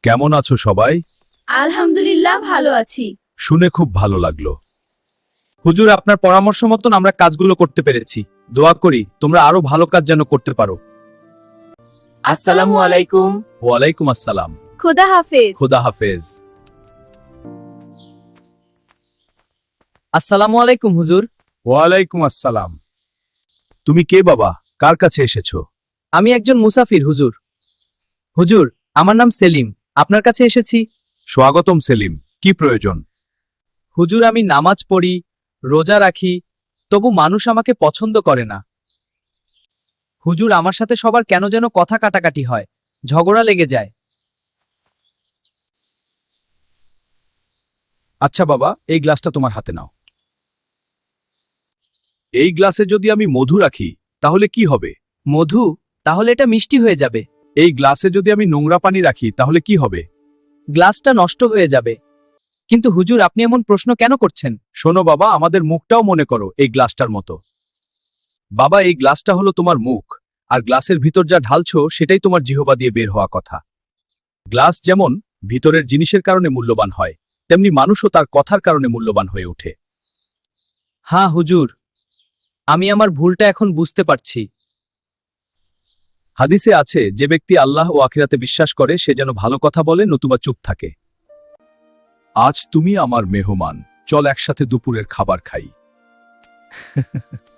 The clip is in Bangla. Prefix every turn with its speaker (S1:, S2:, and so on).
S1: কেমন আছো সবাই?
S2: আলহামদুলিল্লাহ ভালো আছি।
S1: শুনে খুব ভালো লাগলো।
S3: হুজুর, আপনার পরামর্শ মতন আমরা কাজগুলো করতে পেরেছি। দোয়া করি তোমরা আরো ভালো কাজ যেন করতে পারো।
S2: আসসালামু আলাইকুম।
S1: ওয়ালাইকুম আসসালাম।
S2: খোদা হাফেজ।
S1: খোদা হাফেজ।
S3: আসসালামু আলাইকুম হুজুর।
S1: ওয়ালাইকুম আসসালাম। তুমি কে বাবা? কার কাছে এসেছো?
S3: আমি একজন মুসাফির হুজুর। হুজুর, আমার নাম সেলিম, আপনার কাছে এসেছি।
S1: স্বাগতম সেলিম, কি প্রয়োজন?
S3: হুজুর, আমি নামাজ পড়ি, রোজা রাখি, তবু মানুষ আমাকে পছন্দ করে না। হুজুর, আমার সাথে সবার কেন যেন কথা কাটাকাটি হয়, ঝগড়া লেগে যায়।
S1: আচ্ছা বাবা, এই গ্লাসটা তোমার হাতে নাও। এই গ্লাসে যদি আমি মধু রাখি তাহলে কি হবে?
S3: মধু? তাহলে এটা মিষ্টি হয়ে যাবে।
S1: এই গ্লাসে যদি আমি নোংরা পানি রাখি তাহলে কি হবে?
S3: গ্লাসটা নষ্ট হয়ে যাবে। কিন্তু হুজুর, আপনি এমন প্রশ্ন কেন করছেন?
S1: শোনো বাবা, আমাদের মুখটাও মনে করো এই গ্লাসটার মতো। বাবা, এই গ্লাসটা হলো তোমার মুখ, আর গ্লাসের ভিতর যা ঢালছো সেটাই তোমার জিহবা দিয়ে বের হওয়া কথা। গ্লাস যেমন ভিতরের জিনিসের কারণে মূল্যবান হয়, তেমনি মানুষও তার কথার কারণে মূল্যবান হয়ে ওঠে।
S3: হ্যাঁ হুজুর, আমি আমার ভুলটা এখন বুঝতে পারছি।
S1: হাদিসে আছে, যে ব্যক্তি আল্লাহ ও আখিরাতে বিশ্বাস করে সে যেন ভালো কথা বলে নতুবা চুপ থাকে। আজ তুমি আমার মেহমান, চল একসাথে দুপুরের খাবার খাই।